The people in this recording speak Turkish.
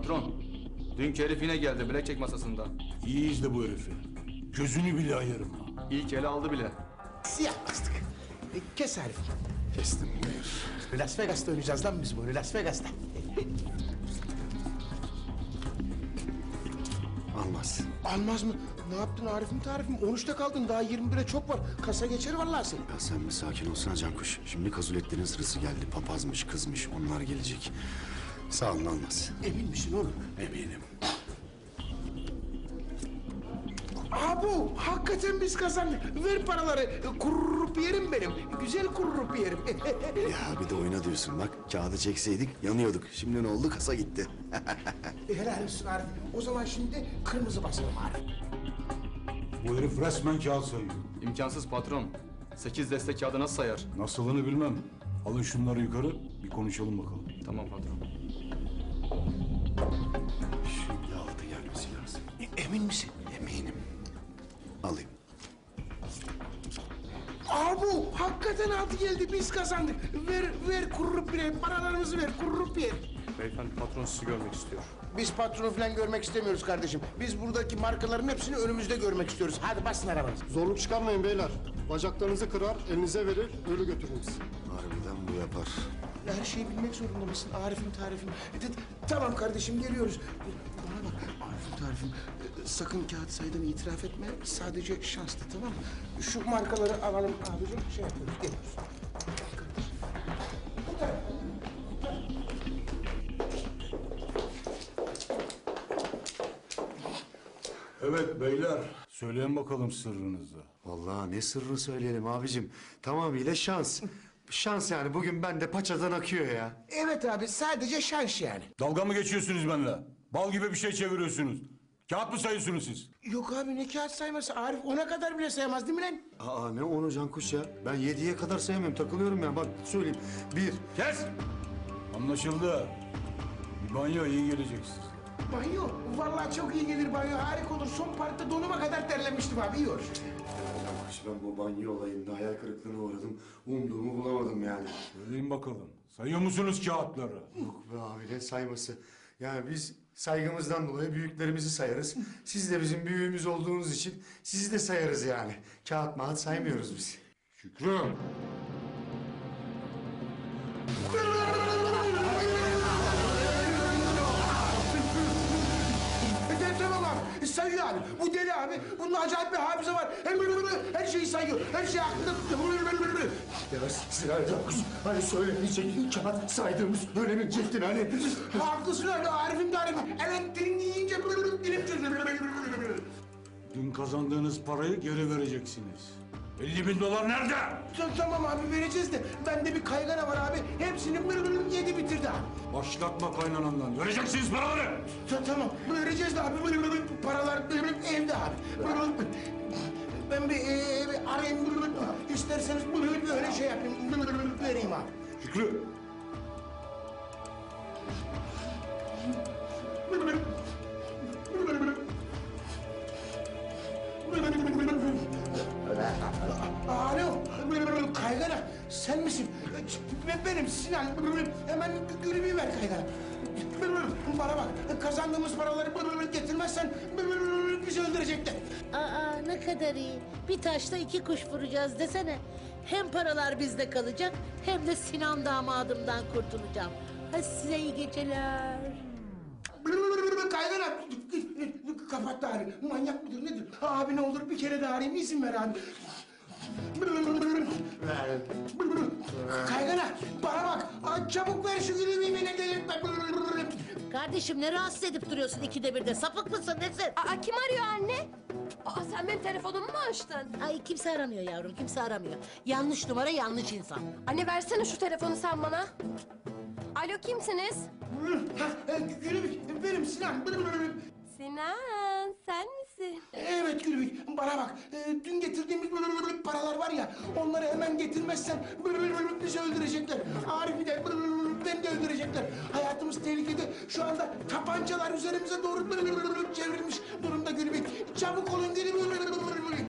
Patron, dünkü herif yine geldi blackjack masasında. İyi izle bu herifi. Gözünü bile ayırma. İlk ele aldı bile. Siyah bastık. Kes Arif. Kestim buyur. Las Vegas'ta oynayacağız lan biz bunu, Las Vegas'ta. Almaz. Almaz mı? Ne yaptın Arif'im tarifim? 13'te kaldın, daha 21'e çok var. Kasa geçer vallahi seni. Ya sen bir sakin olsana Cankuş. Şimdi Kazulettin'in sırası geldi. Papazmış, kızmış. Onlar gelecek. Sağ olun Almaz. Emin misin oğlum? Eminim. Abu, hakikaten biz kazandık. Ver paraları. Kururup yerim benim. Güzel kururup yerim. Ya bir de oyna diyorsun bak. Kağıdı çekseydik yanıyorduk. Şimdi ne oldu? Kasa gitti. Helal olsun Arif. O zaman şimdi kırmızı basalım Arif. Bu herif resmen kağıt sayıyor. İmkansız patron. 8 destek kağıdı nasıl sayar? Nasılını bilmem. Alın şunları yukarı, bir konuşalım bakalım. Tamam patron. Şu yağdı gelmesi lazım. Emin misin? Eminim. Alayım. Abu, hakikaten altı geldi. Biz kazandık. Ver kururup yerim. Paralarımızı ver, kururup yerim. Beyefendi patron sizi görmek istiyor. Biz patronu falan görmek istemiyoruz kardeşim. Biz buradaki markaların hepsini önümüzde görmek istiyoruz. Hadi basın arabanızı. Zorluk çıkarmayın beyler. Bacaklarınızı kırar, elinize verir, ölü götürürüz. Harbiden bu yapar. Her şeyi bilmek zorunda mısın Arif'im tarifim? Tamam kardeşim geliyoruz. Bana bak Arif'im tarifim. Sakın kağıt saydığını itiraf etme. Sadece şanslı tamam mı? Şu markaları alalım abicim. Şey yapıyoruz geliyoruz. Evet beyler, söyleyin bakalım sırrınızı. Vallahi ne sırrını söyleyelim abicim. Tamamıyla şans. Şans yani. Bugün bende paçadan akıyor ya. Evet abi sadece şans yani. Dalga mı geçiyorsunuz benimle? Bal gibi bir şey çeviriyorsunuz. Kağıt mı sayıyorsunuz siz? Yok abi ne kağıt sayması Arif ona kadar bile sayamaz değil mi lan? Aa ne onu Cankuş ya? Ben 7'ye kadar sayamıyorum. Takılıyorum ya. Bak söyleyeyim. 1. Kes! Anlaşıldı. Bir banyo iyi gelecek size. Banyo vallahi çok iyi gelir banyo harika olur. Son parkta donuma kadar terlemiştim abi iyi olur. Cankuş ben bu banyo olayında hayal kırıklığına uğradım. Umduğumu bulamadım yani. Söyleyin bakalım. Sayıyor musunuz kağıtları? Yok be abi ne sayması. Yani biz saygımızdan dolayı büyüklerimizi sayarız. Siz de bizim büyüğümüz olduğunuz için sizi de sayarız yani. Kağıt mağat saymıyoruz biz. Şükrü! Tamam abi sayıyor abi. Bu deli abi. Bunun acayip bir hafıza var. Her şeyi sayıyor. Her şey aklında. Ya Sinan Cankuş hani söylemeyecek kağıt saydığımız öğrenemeyecektin hani. Haklısın öyle Arif'im de Arif'im. Evet dilini yiyince dilim çözülür. Dün kazandığınız parayı geri vereceksiniz. 50.000 nerede? Tamam abi vereceğiz de bende bir kaygana var abi. Hepsini yedi bitirdi abi. Başlatma kaynanandan. Vereceksiniz paraları. Tamam vereceğiz de abi. Paralar evde abi. Ben bir arayayım. İsterseniz öyle şey yapayım. Vereyim abi. Şükrü! Alo, kaygana sen misin? Benim Sinan. Hemen gülümü ver kaygana. Bana bak, kazandığımız paraları getirmezsen bizi öldürecekler. Aa ne kadar iyi. Bir taşla iki kuş vuracağız desene. Hem paralar bizde kalacak hem de Sinan damadımdan kurtulacağım. Hadi size iyi geceler. Kaygana kapat da abi. Manyak mıdır nedir? Abi ne olur bir kere daha arayayım izin ver abi. Kaygana bana bak. Çabuk ver şu gülümü beni delirtme. Kardeşim ne rahatsız edip duruyorsun ikide birde? Sapık mısın nesin? Aa, kim arıyor anne? Aa, sen benim telefonumu mu açtın? Ay kimse aramıyor yavrum kimse aramıyor. Yanlış numara yanlış insan. Anne versene şu telefonu sen bana. Alo kimsiniz? Gülümü benim Sinan. Sinan sen misin? Evet Gülbük, bana bak. Dün getirdiğimiz paralar var ya, onları hemen getirmezsen bizi öldürecekler. Arif'i de beni de öldürecekler. Hayatımız tehlikede. Şu anda tabancalar üzerimize doğru çevrilmiş durumda Gülbük. Çabuk olun Gülbük.